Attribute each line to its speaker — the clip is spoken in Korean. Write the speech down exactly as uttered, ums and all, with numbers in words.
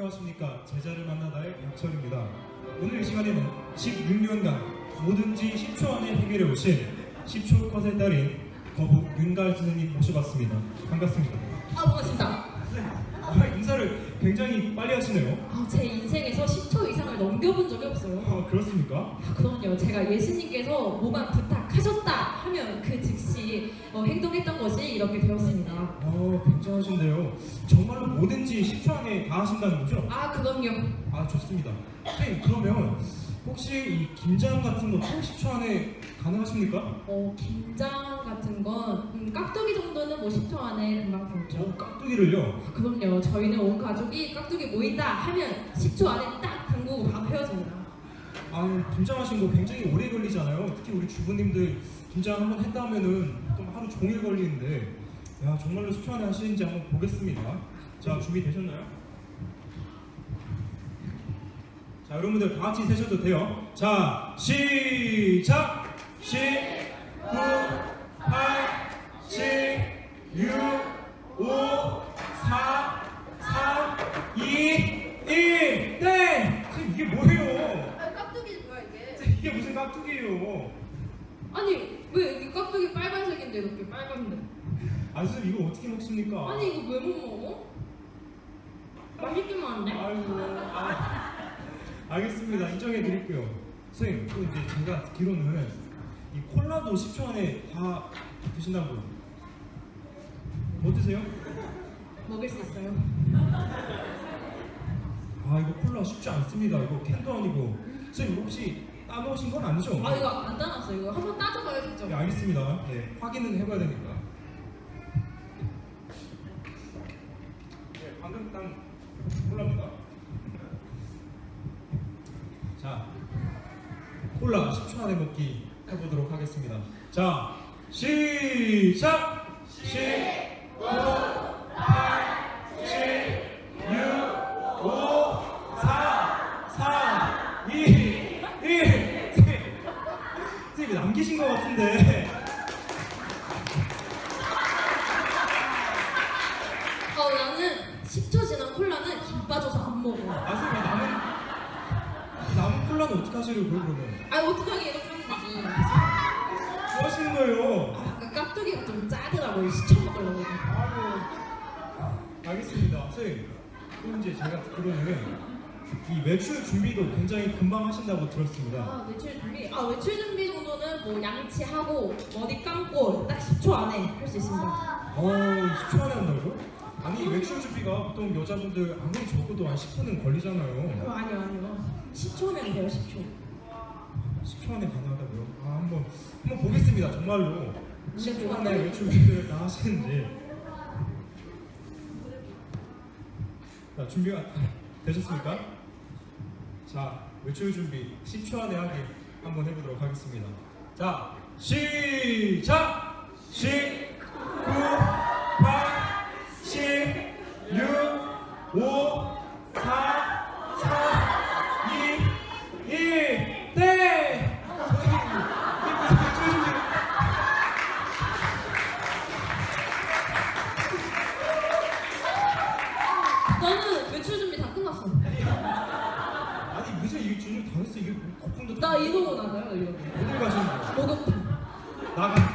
Speaker 1: 안녕하십니까. 제자를 만나다의 양철입니다. 오늘 이 시간에는 십육 년간 뭐든지 십 초 안에 해결해 오신 십 초 컷의 달인 거북 윤갈 선생님 모셔봤습니다. 반갑습니다.
Speaker 2: 아, 반갑습니다.
Speaker 1: 선생님, 아, 인사를 굉장히 빨리 하시네요.
Speaker 2: 아, 제 인생에서 십 초 이상을 넘겨본 적이 없어요.
Speaker 1: 아, 그렇습니까?
Speaker 2: 아, 그럼요. 제가 예수님께서 뭐만 부탁하셨다 하면 그 즉시 어, 행동했던 것이 이렇게 되었습니다.
Speaker 1: 어, 굉장하신데요. 정말로 뭐든지 십 초 안에 다 하신다는 거죠?
Speaker 2: 아, 그럼요.
Speaker 1: 아, 좋습니다. 선생님, 그러면 혹시 이 김장 같은 것도 십 초 안에 가능하십니까?
Speaker 2: 어, 김장 같은 건 음, 깍두기 정도는 뭐 십 초 안에 금방 되죠.
Speaker 1: 오, 깍두기를요?
Speaker 2: 아, 그럼요. 저희는 온 가족이 깍두기 모인다 하면 십 초 안에 딱 담그고 바로 헤어집니다.
Speaker 1: 아, 김장하신 거 굉장히 오래 걸리잖아요. 특히 우리 주부님들 김장 한번 했다 하면은 좀 하루 종일 걸리는데, 야, 정말로 십 초 안에 하시는지 한번 보겠습니다. 자, 준비되셨나요? 자, 여러분들 다 같이 세셔도 돼요. 자, 시작! 십, 구, 팔, 칠, 육, 오, 사, 삼, 이, 일, 땡! 선생님, 이게 뭐예요?
Speaker 3: 아, 깍두기 뭐야 이게?
Speaker 1: 이게 무슨 깍두기예요?
Speaker 2: 아니, 왜 이 깍두기 빨간색인데 이렇게 빨간데?
Speaker 1: 아, 선생님, 이거 어떻게 먹습니까?
Speaker 2: 아니, 이거 왜 못 먹어? 맛있기만 한데?
Speaker 1: 아이고, 아, 알겠습니다. 인정해 드릴게요. 선생님, 또 이제 제가 듣기로는 이 콜라도 십 초 안에 다 드신다고. 어떠세요?
Speaker 2: 먹을 수 있어요.
Speaker 1: 아, 이거 콜라 쉽지 않습니다. 이거 캔도 아니고. 선생님, 혹시 따놓으신 건 아니죠?
Speaker 2: 아, 이거 안 따놨어. 이거 한번 따져봐야겠죠.
Speaker 1: 네, 알겠습니다. 네, 확인은 해봐야 되니까. 네, 방금 딴 콜라입니다. 자, 콜라 십 초 안에 먹기 해보도록 하겠습니다. 자, 시작! 십, 구, 팔, 칠, 육, 오, 사, 삼, 이, 일. 선생님, 남기신 것 같은데.
Speaker 2: 어, 나는 십 초 지난 콜라는 김 빠져서 안 먹어.
Speaker 1: 아, 선생님, 남은 남은 콜라는 어떻게 하시려고요, 그러면?
Speaker 2: 아, 어떡하게 이렇게 하면 되지.
Speaker 1: 뭐 하시는 거예요?
Speaker 2: 아, 그 깍두기가 좀 짜더라고요. 시쳐 먹으려고.
Speaker 1: 아유, 알겠습니다. 선생님, 그럼 이제 제가 듣기로는 이 외출 준비도 굉장히 금방 하신다고 들었습니다.
Speaker 2: 아, 외출 준비? 아, 외출 준비 정도는 뭐 양치하고 머리 감고 딱 십 초 안에 할 수 있습니다.
Speaker 1: 어, 십 초 안에 한다고요? 아니, 외출 준비가 보통 여자분들 아무리 적어도 한 십 분은
Speaker 2: 어,
Speaker 1: 걸리잖아요.
Speaker 2: 아니요, 아니요. 십 초면 돼요, 십 초.
Speaker 1: 십 초 안에 가능하다고요? 아, 한번 한번 보겠습니다. 정말로 십 초 안에
Speaker 2: 네.
Speaker 1: 외출 준비를 다 하시는지. 자, 준비가 되셨습니까? 자, 외출 준비 십 초 안에 하기 한번 해보도록 하겠습니다. 자, 시작! 십, 구, 팔, 칠, 육, 오, 사, 삼, 이, 일, 땡! 선생님, 이게 무슨 외출 준비?
Speaker 2: 나는 외출 준비 다 끝났어.
Speaker 1: 아니, 무슨 이게 준비 다 했어? 이게 거품도
Speaker 2: 나 이러고 나가요, 이러고.
Speaker 1: 어딜 가시는 거예요?
Speaker 2: 목욕탕.
Speaker 1: 나가.